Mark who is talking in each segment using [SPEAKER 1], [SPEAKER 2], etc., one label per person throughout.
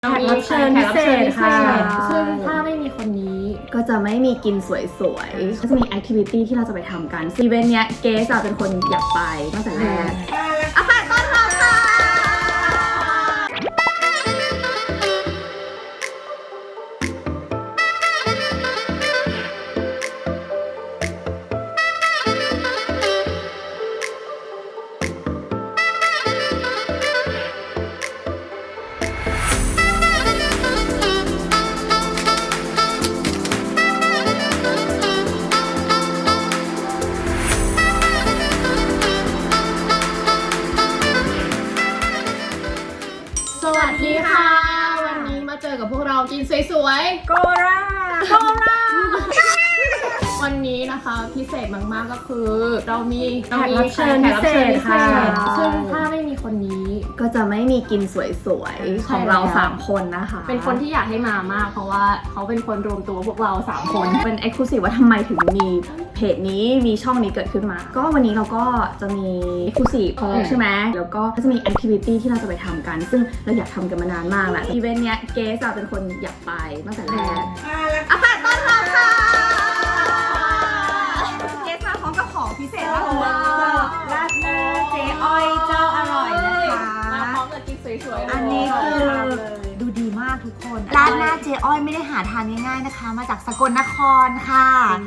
[SPEAKER 1] แขกรับเชิญพิเศษค่ะ
[SPEAKER 2] ซึ่งถ้าไม่มีคนนี้
[SPEAKER 1] ก็จะไม่มีกินสวยๆก็จะมีแอคทิวิตี้ที่เราจะไปทำกันอีเวนต์เนี้ยเกสเป็นคนอยากไปตั้งแต่แรกอาค่ะต้อนรับค่ะ
[SPEAKER 2] สวัสดีค่ะวันนี้มาเจอกับพวกเรากินสวยๆ
[SPEAKER 1] โกรา
[SPEAKER 2] วันนี้นะคะพิเศษมากๆก็คือเรามี
[SPEAKER 1] แขกรับเชิญพิเศษค่ะ
[SPEAKER 2] ซึ่งถ้าไม่มีคนนี้
[SPEAKER 1] ก็จะไม่มีกินสวยๆของเรา3คนนะคะ
[SPEAKER 2] เป็นคนที่อยากให้มามากเพราะว่าเขาเป็นคนรวมตัวพวกเรา3คน
[SPEAKER 1] เป็น Exclusive ว่าทำไมถึงมีเพจนี้มีช่องนี้เกิดขึ้นมาก็วันนี้เราก็จะมี Exclusive ใช่ไหมแล้วก็จะมี Activity ที่เราจะไปทำกันซึ่งเราอยากทำกันมานานมากแล้วอีเวนต์เนี้ยเกสเป็นคนอยากไปตั้งแต่แรกอาค่ะต้อนรับค่ะเกสมาพร้อมกับของพิเศษมากเลยราดหน้าเจ๊อ้อยเจ้าอร่อยนะคะ
[SPEAKER 2] มาพร้อมกับกินสวยๆ
[SPEAKER 3] อันนี้คือดูดีมากทุกคนร้านหน้าเจ๊อ้อยไม่ได้หาทานง่ายๆนะคะ มาจากสกลนครค่ะ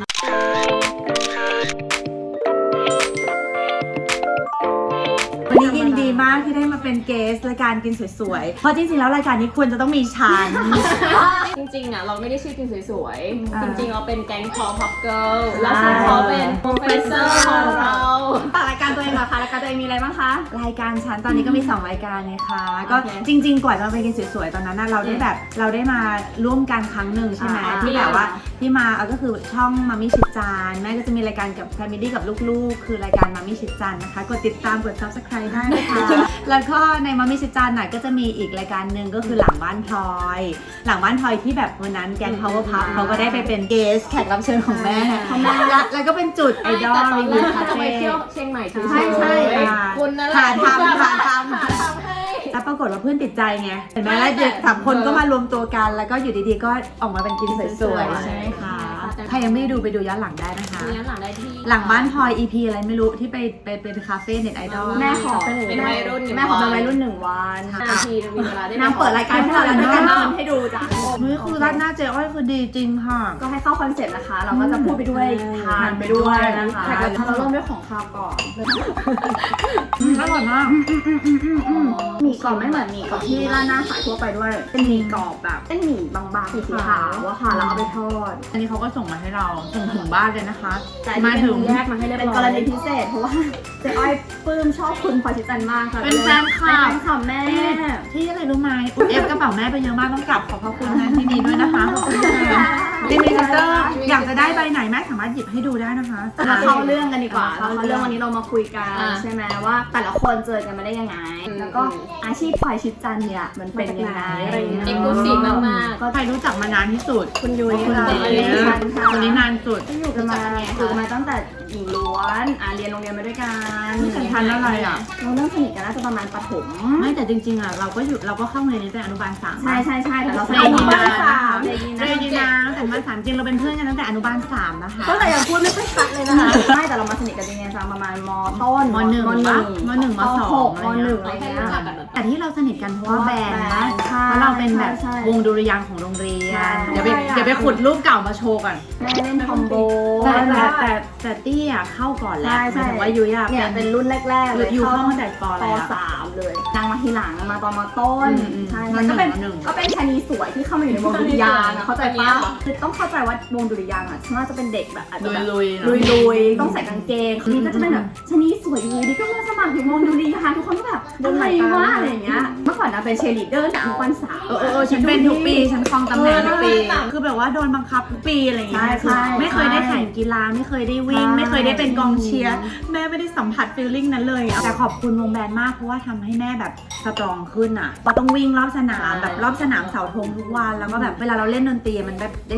[SPEAKER 3] วันนี้ยินดีมากที่ได้มาเป็นเกสรายการกินสวยๆเพราะจริงๆแล้วรายการนี้ควรจะต้องมีฉัน
[SPEAKER 2] จริงๆอ่ะเราไม่ได้ชื่อกินสวยๆจริงๆเราเป็นแก๊งคอพับเกิลแล้วซึ่งเขาเป็นโปรเฟสเซอร์ของเรา
[SPEAKER 1] ฝากรายการตัวเองเหรอคะรายการตัวเองมีอะไรบ้างคะ
[SPEAKER 3] รายการฉันตอนนี้ก็มี2รายการเลยค่ะก็จริงๆกว่าจะไปกินสวยๆตอนนั้นเราได้มาร่วมกันครั้งหนึ่งใช่ไหมที่แบบว่าที่มาก็คือช่องมามี่ชิดจานแม่ก็จะมีรายการกับแฟมิลี่กับลูกๆคือรายการมามี่ชิดจานนะคะกดติดตามกด Subscribe ได้นะคะแล้วก็ในมามี่ชิดจานน่ะก็จะมีอีกรายการหนึ่งก็คือหลังบ้านพลอยที่แบบวันนั้นแกง Power Puff เขาก็ได้ไปเป็นเกสแขกรับเชิญของแม่แล้วก็เป็นจุดไอดอลรีวิวคาเฟ่
[SPEAKER 2] ไปเที่ยวเชียงใหม่ใ
[SPEAKER 3] ช่
[SPEAKER 2] คุณนั่นแหละ
[SPEAKER 3] หาทำแล้วปรากฏว่าเพื่อนติดใจไงเห็นไหมแล้ว3 คนก็มารวมตัวกันแล้วก็อยู่ดีๆก็ออกมาเป็นกินสวยๆใช่ไหมคะใครยังไม่ดูไปดูย้อนหลังได้นะคะ
[SPEAKER 2] ย้อนหลังได้ที่
[SPEAKER 3] หลังบ้านพลอย EP อะไรไม่รู้ที่ไปเป็นคาเฟ่เน็ตไอดอล
[SPEAKER 1] แม่ขอ
[SPEAKER 2] เป็นวัยรุ่น
[SPEAKER 1] แม่ขอเป็นวัยรุ่น1 วัน
[SPEAKER 2] ทีมีเวลาได้
[SPEAKER 1] นางเปิดรายการให้เราแล้วนางให้ดูจ้ะ
[SPEAKER 3] นี่คือร้านหน้าเจ๊อ้อยคือดีจริงค่ะ
[SPEAKER 1] ก็ให้เข้าคอนเซ็ปต์นะคะเราก็จะพูดไปด้วยทานไปด้วยนะคะเราเริ่มด้วยของคาวก่อน
[SPEAKER 3] อร่อยมาก
[SPEAKER 1] หมี่กรอบไม่เหมือนหมี่กรอบที่ร้านหน้าขายทั่วไปด้วยเป็นหมี่กรอบแบบเป็นหมี่บางๆสีขาวอะค่ะแล้วเอาไปทอด
[SPEAKER 3] อันนี้เขาก็ส่งมาให้เราส่งถึงบ้านเลยนะคะ
[SPEAKER 1] มาถึงแยกมาให้เรียบร้อยเป็นกรณีพิเศษเพราะว่าเจ๊อ้อยปลื้มชอบคุณพลอยชิดจันทร์มากค่ะ
[SPEAKER 3] เป็นแฟนคลับ
[SPEAKER 1] แม่
[SPEAKER 3] ที่อะไรรู้ไหมเอฟกระเป๋าแม่ไปเยอะมากต้องกลับขอบพระคุณนะที่นี้ด้วยนะคะขอบคุณค่ะดิมิเตอร์อยากจะได้ใบไหนแม่สามารถหยิบให้ดูได้นะคะ
[SPEAKER 1] มาเข้าเรื่องกันดีกว่าเข้าเรื่องวันนี้เรามาคุยกันใช่ไหมว่าแต่ละคนเจอกันมาได้ยังไงแล้วก็อาชีพพลอยชิดจันทร์เนี่ยมันเป็นยังไงอะไรเงี้ย
[SPEAKER 2] เอ็กซ์คลูซีฟมาก
[SPEAKER 3] ๆก็ใครรู้จักมานานที่สุด
[SPEAKER 1] คุณยุ้ย
[SPEAKER 3] คนนี้นานสุด
[SPEAKER 1] อยู่กันมาตั้งแต่หญิงล้วนเรียนโรงเรียนมาด้วยกัน
[SPEAKER 3] ทันอะไรอ่ะ
[SPEAKER 1] เราเริ่มสนิทกันน่าจะประมาณประถม
[SPEAKER 3] ไม่แต่จริงๆอ่ะเราก็เข้าเรียนตั้งแต่อนุบาล3
[SPEAKER 1] ใช่แต่เรา
[SPEAKER 3] เรียนอนุบาล3ตั้งแต่อนุบาล3จริงเราเป็นเพื่อนกันตั้งแต่อนุบาล3นะคะ
[SPEAKER 1] ตั้งแต่ยังพูดไม่ค่อยชัดเลยนะคะใช่แต่เรามาสนิทกันจริงๆประมาณม.ต้น
[SPEAKER 3] ม.1 ม.1 ม.2
[SPEAKER 1] ม.1 อะไรเงี้ย
[SPEAKER 3] แต่ที่เราสนิทกันเพราะว่าแบนด์นะเพราะเราเป็นแบบวงดุริยางค์ของโรงเรียนเดี๋ยวไปขุดรูปเก่ามาโชว์ก่อน
[SPEAKER 1] แม่เล่นคอมโบ
[SPEAKER 3] แต่ตี้อ่ะเข้าก่อนแล้วหมายถึงว่ายุ้ย
[SPEAKER 1] เป็นรุ่นแรกๆเลย
[SPEAKER 3] อยู่เข้าตั้งแต่ป
[SPEAKER 1] .3 เลยนางมาทีหลังมาตอนม.ต้นใช่มันก็เป็นชนีสวยที่เข้ามาอยู่ในวงดุริยางค์เข้าใจป่ะคือต้องเข้าใจว่าวงดุริยางค์อ่ะฉันว่าจะเป็นเด็กแบบอาจจะแบบลุยต้องใส่กางเกงนี่ก็จะเป็นแบบชนีสวยอยู่ดีก็มาสมัครอยู่วงดุริยางค์ทุกคนก็แบบอะไรวะอะไรอย่างเงี้ยเมื่อก่อนนะเป็นเชียร์ลีดเดอร์จากอนุบาล3
[SPEAKER 3] ฉันเป็นทุกปีฉันครองตำแหน่งทุกปีคือแบบว่าโดนบังคับทุกปีอะไรอย่างเงี้ยไม่เคยได้แข่งกีฬาไม่เคยได้วิ่งไม่เคยได้เป็นกองเชียร์แม่ไม่ได้สัมผัสฟีลลิ่งนั้นเลยแต่ขอบคุณวงแบนด์มากเพราะว่าทำให้แม่แบบสตรองขึ้นอ่ะเราต้องวิ่งรอบสนามแบบรอบสนามเสาธงทุกวันแล้วก็แบบเวลาเราเล่นดนตรีมันแบบได้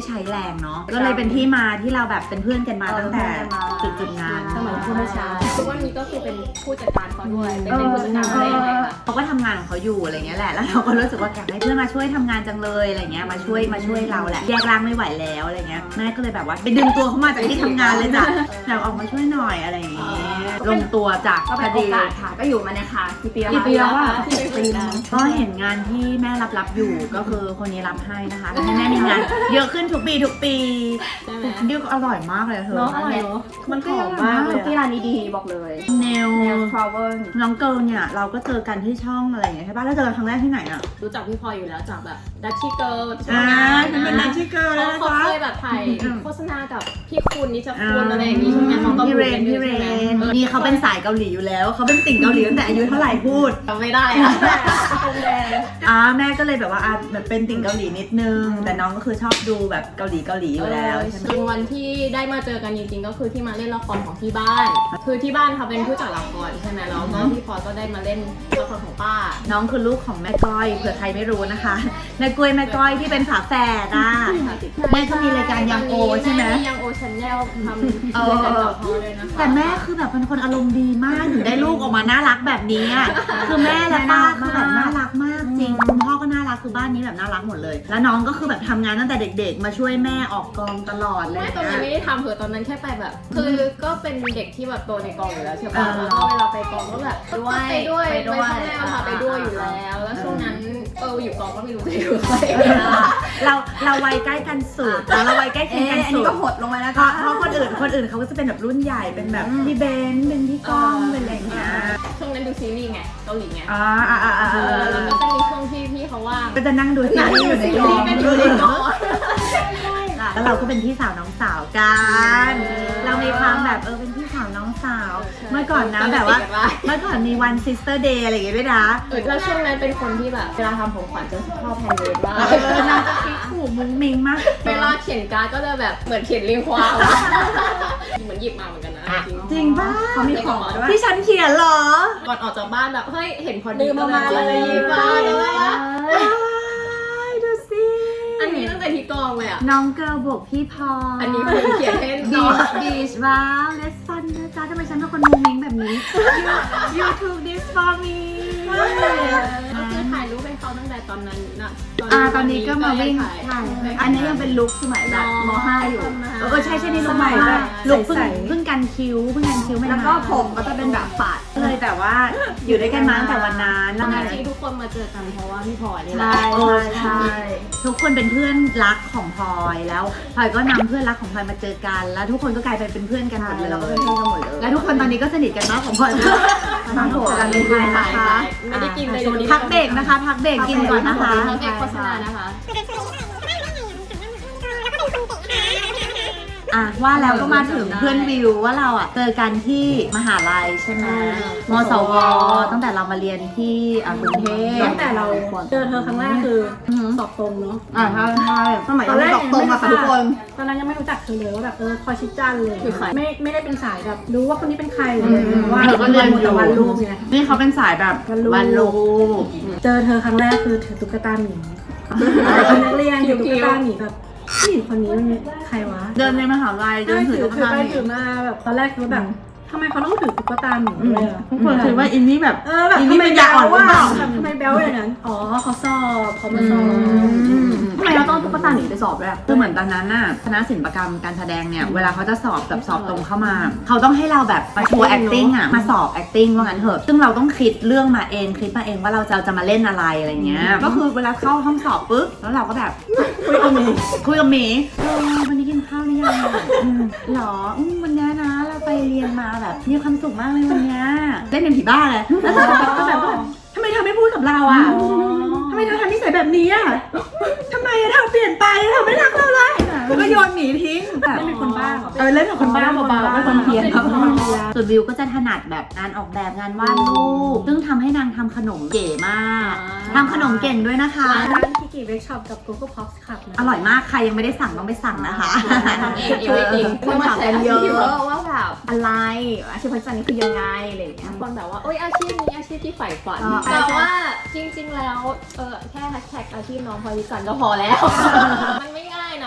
[SPEAKER 3] ใช้แรงเนาะก็เลยเป็นที่มาที่เราแบบเป็นเพื่อนกันมาตั้งแต่จุดนั้น
[SPEAKER 2] สมัยผู้ไม่ใช่ทุกวันนี้ก็คือเป็นผู้จัดการเขาด้วยเป็นผู้จัดการอะไรอย่างเงี้ยค่ะ
[SPEAKER 3] เขาก็ทำงานของเขาอยู่อะไรเงี้ยแหละแล้วเราก็รู้สึกว่าอยากให้เพื่อนมาช่วยทำงานจังเลยอะไรเงี้ยมาช่วยเราแหละแยกร่างไม่ไหวแล้วอะไรเงี้ยแม่ก็เลยแบบว่าไปดึงตัวเขามาจากที่ทำงานเลยจ้ะแบบออกมาช่วยหน่อยอะไรอย่างเงี้ยลงตัวจาก
[SPEAKER 1] ก็
[SPEAKER 3] พ
[SPEAKER 1] เป็น
[SPEAKER 3] อ
[SPEAKER 1] โอ
[SPEAKER 3] ดี
[SPEAKER 1] กาสค่ะก็อยู่มาเนี่ยค่ะกี่ปีแล้ว
[SPEAKER 3] กี่ปีแล้วอะ
[SPEAKER 1] ที่เป็นปีแล้ว
[SPEAKER 3] ก็เห็นงานที่แม่รับอยู่ก็คือคนนี้รับให้นะคะทำให้แม่มีงานเยอะขึ้นทุกปี
[SPEAKER 2] ใช่ไหม
[SPEAKER 3] ดิวอร่อยมากเลยเธอ
[SPEAKER 2] เนาะอร่อยเนาะมันหอมมากเลย
[SPEAKER 1] ที่ร้านนี้ดีบอกเลย
[SPEAKER 3] เนล
[SPEAKER 1] ทราเวล
[SPEAKER 3] น้องเกิร์ลเนี่ยเราก็เจอกันที่ช่องอะไรอย่างเงี้ยใช่ป่ะแล้วเจอกันครั้งแรกที่ไหนอ่ะ
[SPEAKER 2] รู้จักพี่พลอยอยู่แล้วจากแบบดัชชี่เกิร์ล
[SPEAKER 3] ฉันเป็นนักที่เกิร์ลแล้วนะ
[SPEAKER 2] เขา
[SPEAKER 3] คะ
[SPEAKER 2] เคยแบบถ่ายโฆษณากับพี่คุณนิชคุณอะไรอย่างงี้ใช่ไหมเขาก็
[SPEAKER 3] พี่
[SPEAKER 2] พู
[SPEAKER 3] เร
[SPEAKER 2] ดกัน น
[SPEAKER 3] พี่เรนนี่เขาเป็นสายเกาหลีอยู่แล้วเขาเป็นติ่งเกาหลีตั้งแต่อายุเท่าไหร่พูด
[SPEAKER 2] จำไม่ได้อะ
[SPEAKER 3] แม่ก็เลยแบบว่าแบบเป็นติ่งเกาหลีนิดนึงแต่น้องก็คือชอบดูแบบเกาหลีอยู่แล้วใช่ไหม
[SPEAKER 2] จนวันที่ได้มาเจอกันจริงๆก็คือที่มาเล่นละครของที่บ้าน คือที่บ้านเขาเป็นผู้จัดละครใช่ไหมแล้วก็พี่พลอยก็ได้มาเล่นละครของป้า
[SPEAKER 3] น้องคือลูกของแม่ก้อยเผื่อใครไม่รู้นะคะแม่กล้วยแม่ก้อยที่เป็นฝาแฝดอ่ะแม่ก็มีรายการยังโอใช่ไหม
[SPEAKER 2] ยังโอชันแนลทำรายการต่อเขาเลยนะคะ
[SPEAKER 3] แต่แม่คือแบบเป็นคนอารมณ์ดีมากถึงได้ลูกออกมาน่ารักแบบนี้อ่ะคือแม่และป้าคือแบบน่ารักมากจริงคุณพ่อก็น่ารักคือบ้านนี้แบบน่ารักหมดเลย แล้วน้องก็คือแบบทำงานตั้งแต่เด็กๆ มาช่วยแม่ออกกองตลอดเลย
[SPEAKER 2] ไม่ตอนนั้นไม่ได้ทำเหอะตอนนั้นแค่ไปแบบ คือก็เป็นเด็กที่แบบโตในกองอยู่แล้วใช่ป่ะแล้วก็เวลาไปกองก็แบบไปด้วยไปพ่อแม่พาไปด้วยอยู่แล้ว แล้วช่วงนั้นอยู่กองก็ไม่รู้จะอยู่ใคร
[SPEAKER 3] เราวัยใกล้กันสุดแล้วเราวัยใกล้เคียงกัน
[SPEAKER 1] อัน
[SPEAKER 3] สุ
[SPEAKER 1] นี้
[SPEAKER 3] ด
[SPEAKER 1] ก็หดลงไปแล้ว
[SPEAKER 3] เพราะคนอื่นเขาก็จะเป็นแบบรุ่นใหญ่เป็นแบบพี่เบนซ์เป็นพี่ก้องเป็นอะไรอย่างเงี้ย
[SPEAKER 2] ช่วงนั้นดูซีรีส์ไงเกาหลีไง
[SPEAKER 3] แล้ว
[SPEAKER 2] แล้วก็จะมีช่วงที่พี่เขาว่าง
[SPEAKER 3] ก็จะนั่งดูซีรีส์อยู่ในกอง
[SPEAKER 2] กันอยู่ในกอง
[SPEAKER 3] แล้วเราก็เป็นพี่สาวน้องสาวกัน เรามีความแบบเป็นพี่สาวน้องสาว เมื่อก่อนนะแบบว่าเมื่อก่อนมีวันซิสเตอร์เดย์อะไรอย่างเงี้ยด้วยนะ
[SPEAKER 2] แล้วช่วงนั้นเป็นคนที่แบบเวลาทำของขวัญจะชอบแฮนด์เมดมาก
[SPEAKER 3] นางจะคิดถูกมุ้งมิ้งมาก
[SPEAKER 2] เวลาเขียนการ์ดก็จะแบบเหมือนเขียนเรียงความเหมือนหยิบมาเหมือนกันนะจริง
[SPEAKER 3] จริงป่ะ
[SPEAKER 1] เขามีของด้วย
[SPEAKER 3] ที่ฉันเขียนเหรอ
[SPEAKER 2] ก่อนออกจากบ้านแบบเฮ้ยเห็นพอดี
[SPEAKER 1] ลืมเอามาเลย
[SPEAKER 2] หยิบมาเลย
[SPEAKER 3] ดูสิ
[SPEAKER 2] อันนี้ตั้งแต่ที่กองเลยอ่ะ
[SPEAKER 3] น้องเกิร์ลบวกพี่พอ
[SPEAKER 2] อันนี้คือเขียนให้
[SPEAKER 3] บี
[SPEAKER 2] น้อง
[SPEAKER 3] ชว้าวเลสฟันนะจ๊ะทำไมฉันเป็นคนมุ้งมิ้งแบบนี้ you took this for me
[SPEAKER 2] ก็คือถ่ายรูปให้เขาตั้งแต่ตอนนั้นนะ
[SPEAKER 3] ตอนนี้ก็มาวิ่ง
[SPEAKER 2] ถ่าย
[SPEAKER 1] อันนี้ยังเป็นลุคสมัยแบบม .5 อยู่
[SPEAKER 3] ใช่นี่ลุกใหม่แบบลุกเพิ่งกันคิ้วไม่
[SPEAKER 1] แล้วก็ผมก็จะเป็นแบบปาด
[SPEAKER 3] เลยแต่ว่าอยู่ด้วยกันมาตั้งแต่วันนั้น
[SPEAKER 2] ตอนจริงทุกคนมาเจอกันเพราะว่าพี่พลอยนี่แหละ
[SPEAKER 1] ใช่
[SPEAKER 3] ทุกคนเป็นเพื่อนรักของพลอยแล้วพลอยก็นำเพื่อนรักของพลอยมาเจอกัน แล้วทุกคนก็กลายเป็นเพื่อนกันหมดเลย
[SPEAKER 1] เราก็เป็นเพื่อนกันหมดเลย
[SPEAKER 3] และทุกคนตอนนี้ก็สนิทกันมากของพลอย
[SPEAKER 1] มาโผล่กันในไทยนะคะ
[SPEAKER 2] ไม่ได้กินเลย
[SPEAKER 3] พักเบรกนะคะ พักเบรกกินก่อนนะคะ
[SPEAKER 2] พักเบรกโฆษณานะคะ
[SPEAKER 3] ว่าแล้วก็มาถึงเพื่อนวิวว่าเราเจอกันที่มหาลัยใช่ไหมมสวตั้งแต่เรามาเรียนที่กรุงเทพ
[SPEAKER 4] ตั้งแต่เราเจอเธอครั้งแรกคือสอบตรงเนาะ
[SPEAKER 3] ใช่
[SPEAKER 1] สมัยยังไม่ตกตรงอะค่ะทุกคน
[SPEAKER 4] ตอนนั้นยังไม่รู้จักเธอเลยว่าแบบคอยชิดจันเลย
[SPEAKER 2] คือใคร
[SPEAKER 4] ไม่ได้เป็นสายแบบรู้ว่าคนนี้เป็นใครเลยว่า
[SPEAKER 3] เธอก็เรียน
[SPEAKER 4] แต่วันรูปไง
[SPEAKER 3] นี่เขาเป็นสายแบบวันลูก
[SPEAKER 4] เจอเธอครั้งแรกคือถือตุ๊กตาหมีเป็นนักเรียนถือตุ๊กตาหมีแบบผู้หญิงคนนี้มันใครวะ
[SPEAKER 3] เดินในมหาลัยเดินถือตุ๊ก
[SPEAKER 4] ถือ
[SPEAKER 3] ตา
[SPEAKER 4] ไป
[SPEAKER 3] หมี
[SPEAKER 4] ถือมาแบบตอนแรกคือแบบทำไมเขาต้องถือตุ๊กตาหมีด้วยอะ
[SPEAKER 3] ทุกคนคิดว่าอินนี่แบบ
[SPEAKER 4] แบบ
[SPEAKER 3] อิน
[SPEAKER 4] ทำ
[SPEAKER 3] นี่
[SPEAKER 4] ไม
[SPEAKER 3] เป็นยา
[SPEAKER 4] แบ๊
[SPEAKER 3] อ่อน
[SPEAKER 4] ว
[SPEAKER 3] หรือ
[SPEAKER 4] ว่า
[SPEAKER 3] เปล่า
[SPEAKER 4] ทำไมแบ๊วอย่างนั้นอ๋อเขาสอบเขามาสอบ
[SPEAKER 1] ทำไมเราต้องตุ๊กตาหนีไปสอบด้วย
[SPEAKER 3] คือเหมือนตอนนั้นน่ะคณะศิลปกรรมการแสดงเนี่ยเวลาเขาจะสอบแบบสอบตรงเข้ามา เขาต้องให้เราแบบมาโชว์ acting มาสอบ acting ว่างั้นเถอะซึ่งเราต้องคิดเรื่องมาเองคิดมาเองว่าเราจะมาเล่นอะไรอะไรเงี้ยก็คือเวลาเข้าห้องสอบปุ๊บแล้วเราก็แบบคุยกับหมีวันนี้กินข้าวหรือยังหรอวันนี้นะเราไปเรียนมาแบบมีความสุขมากเลยวันนี้เล่นเป็นผีบ้าเลยแล้วก็แบบทำไมเธอไม่พูดกับเราอ่ะทำไมเธอทำนิสัยแบบนี้อ่ะทำไมเธอเปลี่ยนไปเธอไม่รักเราเลยแล้วก็โยนหมีทิ้งแบบ
[SPEAKER 4] ไม่เป็นคนบ้าเหรอ
[SPEAKER 3] เล่นกับคนบ้าเบาๆไม่คนเพี้ยน
[SPEAKER 4] เป็นคนเพี้ยน
[SPEAKER 3] ส่วนวิวก็จะถนัดแบบงานออกแบบงานวาดรูปซึ่งทำให้นางทำขนมเก๋มากทำขนมเก่งด้วยนะคะ
[SPEAKER 4] ร้านคิกิเวิร์กช็อปกับ Google Pops ครับนะ
[SPEAKER 3] อร่อยมากใครยังไม่ได้สั่งต้องไปสั่งนะคะ
[SPEAKER 2] ทำเองเอง
[SPEAKER 1] คนถามกันเยอะว่าแบบอะไรอาชีพพจน์นี้คือยังไงอะไรอย่างเงี้ย
[SPEAKER 2] คนแบบว่าโอ้ยอาชีพนี้อาชีพที่ใฝ่ฝัน
[SPEAKER 1] อ๋อ
[SPEAKER 2] แต่ว่าจริงๆแล้วแค่แฮชแท็กอาชีพน้องพลอยวิจันทร์ก็พอแล้ว มันไม่ง่ายนะ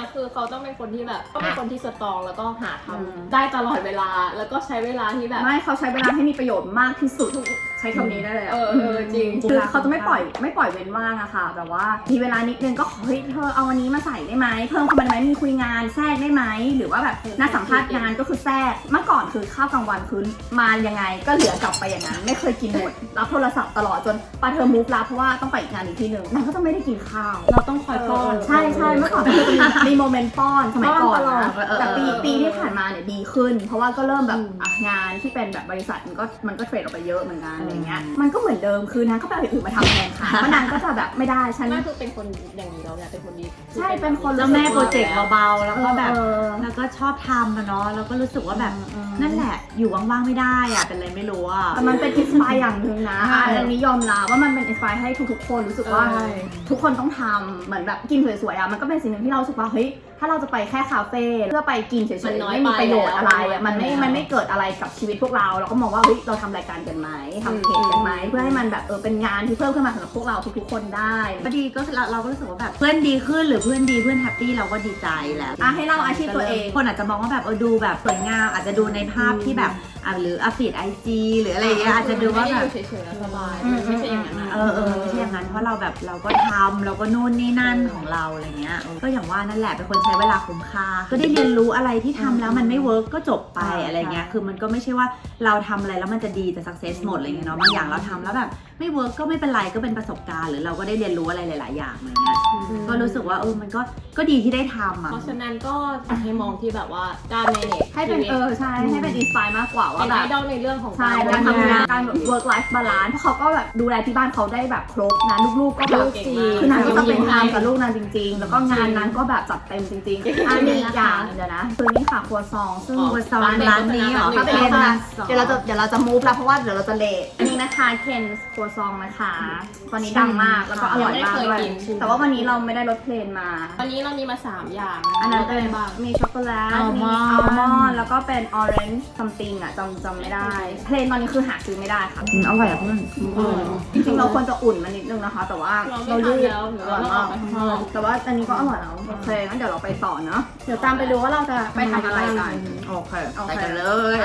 [SPEAKER 2] คือเขาต้องเป็นคนที่แบบต้องเป็นคนที่สตรองแล้วก็หาทำได้ตลอดเวลาแล้วก็ใช้เวลาที่แบบ
[SPEAKER 1] ไม่เขาใช้เวลาให้มีประโยชน์มากที่สุดใช้คำนี้ได้เลยอะ
[SPEAKER 2] จริง
[SPEAKER 1] คือเขาจะไม่ปล่อยเว้นว่างอะค่ะแบบว่ามีเวลานิดนึงก็ขอเฮ้ยเธอเอาวันนี้มาใส่ได้ไหมเพิ่มเข้ามาได้ไหมมีคุยงานแทรกได้ไหมหรือว่าแบบนัดสัมภาษณ์งานก็คือแทรกเมื่อก่อนคือข้าวกลางวันคือมายังไงก็เหลือกลับไปอย่างนั้นไม่เคยกินหมดรับโทรศัพท์ตลอดจนปาเธอมูฟรับเพราะว่าต้องไปอีกงานอีกที่หนึ่งนางก็จะไม่ได้กินข้าว
[SPEAKER 4] เราต้องคอยป้อน
[SPEAKER 1] ใช่เมื่อก่อนคือมีโมเมนต์ป้อนสมัยก่อน
[SPEAKER 4] ป้อนตลอ
[SPEAKER 1] นะ
[SPEAKER 4] ด
[SPEAKER 1] แต่ปีที่ผ่านมาเนี่ยดีขึ้น เพราะว่าก็เริ่มแบบงานที่เป็นแบบบริษัทมันก็เทรดออกไปเยอะเหมือนกันอะไรเงี้ยมันก็เหมือนเดิมคือนางก็ไปเอาอย่างอื่นมาทำแทนค่ะเพราะนางก็จะแบบไม่ได้ฉัน
[SPEAKER 2] ไม่คือเป็นคนอย่างนี้แล้วเนี่ยเป็นคนดี
[SPEAKER 1] ใช่เป็นคน
[SPEAKER 3] แล้วแม่โปรเจกต์เบาๆแล้วก็แบบ
[SPEAKER 1] เออ
[SPEAKER 3] แล้วก็ชอบทำอะเนาะแล้วก็รู้สึกว่าแบบนั่นแหละอยู่ว่างๆไม่ได้อะเป็นอะไรไม่รู้อะ
[SPEAKER 1] แต่มันเป็นอินสปายอย่างหนึ่งนะ
[SPEAKER 3] ใช่
[SPEAKER 1] อันนี้ยอมรับว่ามันเป็นอินสปายให้ทุกๆคนรู้สึกว่า ทุกคนต้องทำเหมือนแบบกินสวยๆอ่ะมันก็เป็นสิ่งหนึ่งที่เรารู้สึกว่าเฮ้ยถ้าเราจะไปแค่คาเฟ่เพื่อไปกินเฉยๆไม่มีประโยชน์อะไรอ่ะมันไม่เกิดอะไรกับชีวิตพวกเราก็มองว่าเฮ้ยเราทำรายการกันไหมทำเพจกันไหมเพื่อให้มันแบบเป็นงานที่เพิ่มขึ้นมาสำหรับพวกเราทุกๆคนได้
[SPEAKER 3] ก็ดีก็เราก็รู้สึกว่าแบบเพื่อนดีขึ้นหรือเพื่อนดีเพื่อนแฮปปี้เราก็ดีใจแล้ว
[SPEAKER 1] ให้เล่าอาชีพตัวเอง
[SPEAKER 3] คนอาจจะมองว่าแบบดูแบบสวยงามอาจจะดูในภาพที่แบบหรือฟีดIG หรืออะไรอย่างเงี้ยอาจจะดูว่าแบบ
[SPEAKER 2] เฉยๆแล้วสบายไม่ใช่อย่างนั้นนะ
[SPEAKER 3] ไม่ใช่อย่างนั้นเพราะเราแบบเราก็ทำเราก็นู่นนี่นั่นของเราอะไรเงี้ยก็อย่างว่านั่นแหละเป็นคนใช้เวลาคุ้มค่าก็ได้เรียนรู้อะไรที่ทำแล้วมันไม่เวิร์กก็จบไปอะไรเงี้ยคือมันก็ไม่ใช่ว่าเราทำอะไรแล้วมันจะดีจะสักเซสหมดอะไรเงี้ยเนาะบางอย่างเราทำแล้วแบบไม่เวิร์กก็ไม่เป็นไรก็เป็นประสบการณ์หรือเราก็ได้เรียนรู้อะไรหลายๆอย่างอะไรเงี้ยก็รู้สึกว่ามันก็ดีที่ได้ทำอ่ะ
[SPEAKER 2] เพราะฉะนั้นก็อยากให้มองที่แบบว่าการ manage
[SPEAKER 1] ให้เป็นใช่ให้เป็นอินสปายมากกว่าว่า
[SPEAKER 2] เป็น
[SPEAKER 1] แบ
[SPEAKER 2] ไอบ ดอลในเรื่องของ
[SPEAKER 1] ใช่การทำงานการแบบ work life balance เพราะเขาก็แบบดูแลที่บ้านเขาได้แบบครบนะลูกๆก็แบบคือนางก็ต้องเป็นทำกับลูกนางจริงๆ แล้วก็งานนั้นก็แบบจัดเต็มจริงๆอันนี้อีกอย่างเดี๋ยวนะคือนี่ค่ะครัวซองซึ่ง
[SPEAKER 3] ครัวซองร้านนี้เหรอ
[SPEAKER 1] ถ้าเป็น
[SPEAKER 3] เป็น
[SPEAKER 1] ร้า
[SPEAKER 3] ร้าน น
[SPEAKER 1] เดี๋ยวเราจะ move แล้วเพราะว่าเดี๋ยวเราจะเลทอันนี้นะคะเคนครัวซองนะคะตอนนี้ดังมากแล้วก็อร่อยมากด้วยแต่ว่าวันนี้เราไม่ได้รถเพลนมา
[SPEAKER 2] วันนี้เรามีมา3อย่าง
[SPEAKER 1] อันนั้น
[SPEAKER 2] เป็
[SPEAKER 1] เป็น น
[SPEAKER 2] บ้าง
[SPEAKER 1] มีช็อกโกแลต
[SPEAKER 3] อัลม
[SPEAKER 1] มี
[SPEAKER 3] อนด์
[SPEAKER 1] อัลมอนด์แล้วก็เป็นออเรนจ์ซัมติงอ่ะจำไม่ได้ เพลนตอนนี้คือหาซื้อไม่ได้ค่ะ
[SPEAKER 3] อร่อยอ่ะเพื่อน
[SPEAKER 1] จริงๆเราควรจะอุ่นมันนิดนึงนะคะ แต่ว่า
[SPEAKER 2] เราไม่ทำแล้วหรือว่าเราออกไปข้างนอก
[SPEAKER 1] แต่ว่าอันนี้ก็อร่อยแล้วโอเคงั้นเดี๋ยวเราไปต่อเนาะเดี๋ยวตามไปดูว่าเราจะไปทำอะไรกัน
[SPEAKER 3] โอเค
[SPEAKER 1] โอเค
[SPEAKER 3] ไปกันเลย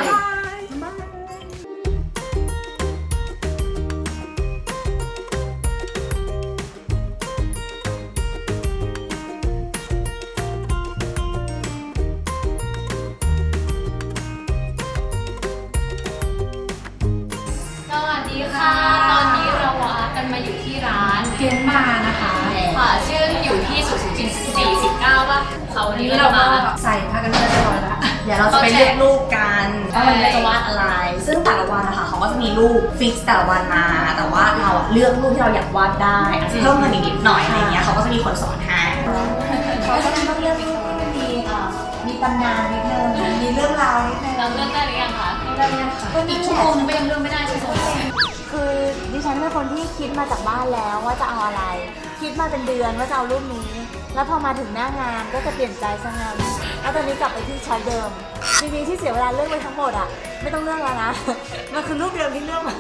[SPEAKER 5] สวัสดีค่ะ ตอนนี้เรากันมาอยู่ที่ร้าน
[SPEAKER 4] เกมมานะคะ
[SPEAKER 5] ค่ะชื่ออยู่ที่สุขุมวิท49ป่ะเขาวันนี้เรามา
[SPEAKER 4] ใส่ผ้ากันเปื้อนเรียบร้อยแล้ว
[SPEAKER 1] เดี๋ยวเราจะไปเลือกรูปกันว่าวันนี้เราจะวาดอะไร ซึ่งแต่ละวันนะคะเขาก็จะมีรูปฟิกแต่ละวันมา แต่ว่าเราเลือกรูปที่เราอยากวาดได้อาจจะเพิ่มเงินอีกนิดหน่อยอะไรเงี้ยเขาก็จะมีคนสอนให้
[SPEAKER 3] เขาก็ต้องเลือกรูปที่มันมีตำนานนิดนึงมีเรื่องราวนิดนึง
[SPEAKER 5] เราเลือกได้หรือยังคะอีกชั่วโมงนึงก็ยังเลือกไม่ได้ใช่ไหม
[SPEAKER 6] คือดิฉันเป็นคนที่คิดมาจากบ้านแล้วว่าจะเอาอะไร คิดมาเป็นเดือนว่าจะเอารูปนี้ แล้วพอมาถึงหน้างานก็จะเปลี่ยนใจซะงั้นแล้วตอนนี้กลับไปที่ช้อยเดิมจริงๆที่เสียเวลาเลือกไปทั้งหมดอ่ะไม่ต้องเลือกแล้วนะ มันคือรูปเดิมที่เลือกมา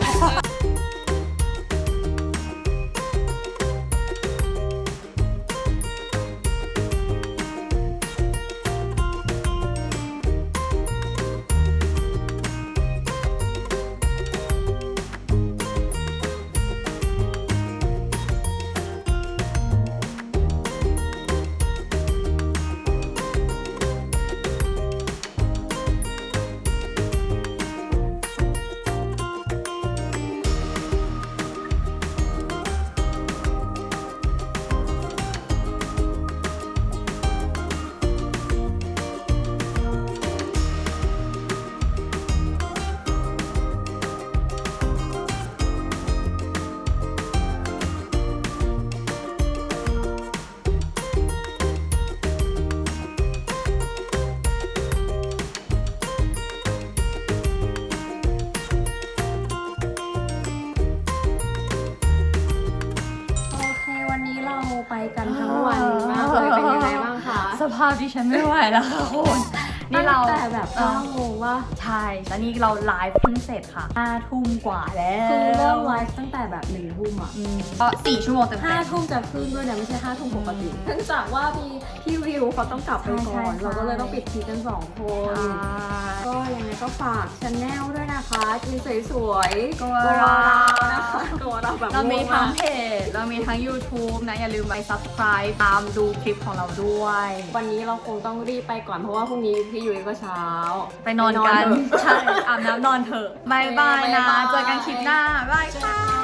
[SPEAKER 2] โอเควันนี้เราไปกันทั้งวันมากเลยเป็นยังไงบ้างคะ
[SPEAKER 3] สภาพดิฉันไม่ไหวแล้วค่ะคุณ
[SPEAKER 1] นี่เรา
[SPEAKER 4] แต่แบบ9 โมงว่า
[SPEAKER 1] ใช่แล้วนี่เราไลฟ์เพิ่งเสร็จค่ะ5 ทุ่มกว่าแล้ว
[SPEAKER 4] คือเริ่มไลฟ์ตั้งแต่แบบ1 ทุ่มอ่ะ
[SPEAKER 1] ก็4 ชั่วโมงเต็ม
[SPEAKER 4] 5 ทุ่มจะขึ้นด้วยนะไม่ใช่5 ทุ่มปกติเนื่องจากว่ามีพี่วิวเขาต้องกลับไปก่อนเราก็เลยต้องปิดทีกัน2 คน ก็ยังไงก็ฝากชาแนลด้วยนะคะกินสวยๆตัวเรานะคะตัวเราแบบ
[SPEAKER 1] เรามี
[SPEAKER 4] ง่ว
[SPEAKER 1] ทั้ง
[SPEAKER 4] มาก
[SPEAKER 1] เพจเรามีทั้ง YouTube นะอย่าลืมไป subscribe ตามดูคลิปของเราด้วย
[SPEAKER 4] วันนี้เราคงต้องรีบไปก่อนเพราะว่าพรุ่งนี้พี่ยุ้ยก็เช้า
[SPEAKER 1] ไปนอนกัน
[SPEAKER 4] ไปนอนเถอะ
[SPEAKER 1] ใช่อาบน้ำนอนเถอะบายบายนะ เจอกันคลิปหน้าบายค่ะ